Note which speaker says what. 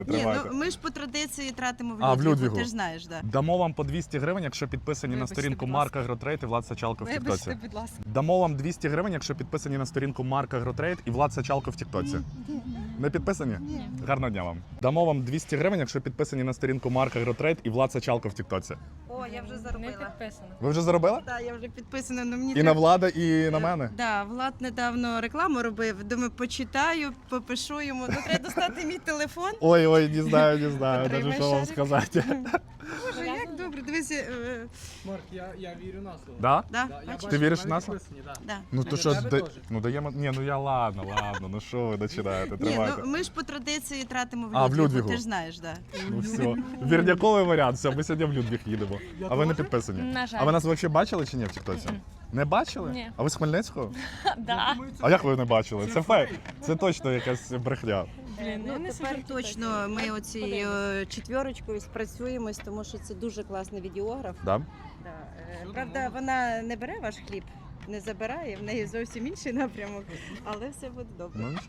Speaker 1: Ні,
Speaker 2: Тримайте.
Speaker 1: ну ми ж по традиції тратимо в
Speaker 2: А, в
Speaker 1: Людвігу,
Speaker 2: Людвігу.
Speaker 1: ти ж знаєш, да.
Speaker 2: Дамо вам по 200 гривень, якщо підписані на
Speaker 3: Вибачте,
Speaker 2: сторінку
Speaker 3: будь
Speaker 2: Марка
Speaker 3: ласка.
Speaker 2: Агротрейд і Влад Сачалко в
Speaker 3: Вибачте,
Speaker 2: Тіктоці.
Speaker 3: будь ласка.
Speaker 2: Дамо вам 200 гривень, якщо підписані на сторінку Марка Агротрейд і Влад Сачалко в Тіктоці. Не підписані?
Speaker 3: Ні.
Speaker 2: Гарного дня вам. Дамо вам 200 гривень, якщо підписані на сторінку Марка Агротрейд і Влад Сачалко в Тіктоці.
Speaker 1: О, я вже
Speaker 3: Не
Speaker 1: заробила.
Speaker 3: підписано.
Speaker 2: Ви вже заробили?
Speaker 1: Так, я вже підписана, але мені
Speaker 2: І на Влада, і на мене?
Speaker 1: Да, Влад недавно рекламу робив. Думаю, почитаю, попишу йому. Ну, треба достати мій телефон.
Speaker 2: Ой, не знаю,
Speaker 1: Потримай
Speaker 2: навіть що вам
Speaker 1: шарик.
Speaker 2: сказати.
Speaker 1: Боже, як добре. Дивися,
Speaker 4: Марк, я вірю на слово.
Speaker 2: Да?
Speaker 1: да,
Speaker 4: Да, я
Speaker 1: бачиш?
Speaker 4: бачу,
Speaker 2: віриш
Speaker 4: в
Speaker 2: в
Speaker 4: мене
Speaker 2: нас?
Speaker 4: підписані, да.
Speaker 1: Да.
Speaker 2: Ну то
Speaker 4: Для
Speaker 2: що,
Speaker 4: тебе теж.
Speaker 2: ну даємо, ні, ну я ладно, ну що ви починаєте,
Speaker 1: Ні,
Speaker 2: тримайте.
Speaker 1: ну ми ж по традиції тратимо в
Speaker 2: А, в
Speaker 1: Людвігу,
Speaker 2: Людвігу.
Speaker 1: ти ж знаєш, да.
Speaker 2: Ну все, вірняковий варіант, все, ми сьогодні в Людвіг їдемо. А ви не підписані?
Speaker 3: На жаль.
Speaker 2: А ви нас взагалі бачили чи ні в Тіктоці? Не бачили?
Speaker 3: Ні.
Speaker 2: А ви з Хмельницького?
Speaker 3: Да.
Speaker 2: А як ви не бачили? Це фейк. Це точно якась брехня.
Speaker 3: Блін,
Speaker 1: Ну,
Speaker 3: я не
Speaker 1: тепер
Speaker 3: сиджу в
Speaker 1: точно
Speaker 3: Тіктоці.
Speaker 1: ми оцією четвірочкою спрацюємось, тому що це дуже класний відеограф.
Speaker 2: Да?
Speaker 1: Да. Правда, вона не бере ваш хліб, не забирає, в неї зовсім інший напрямок, але все буде добре.
Speaker 2: Ну,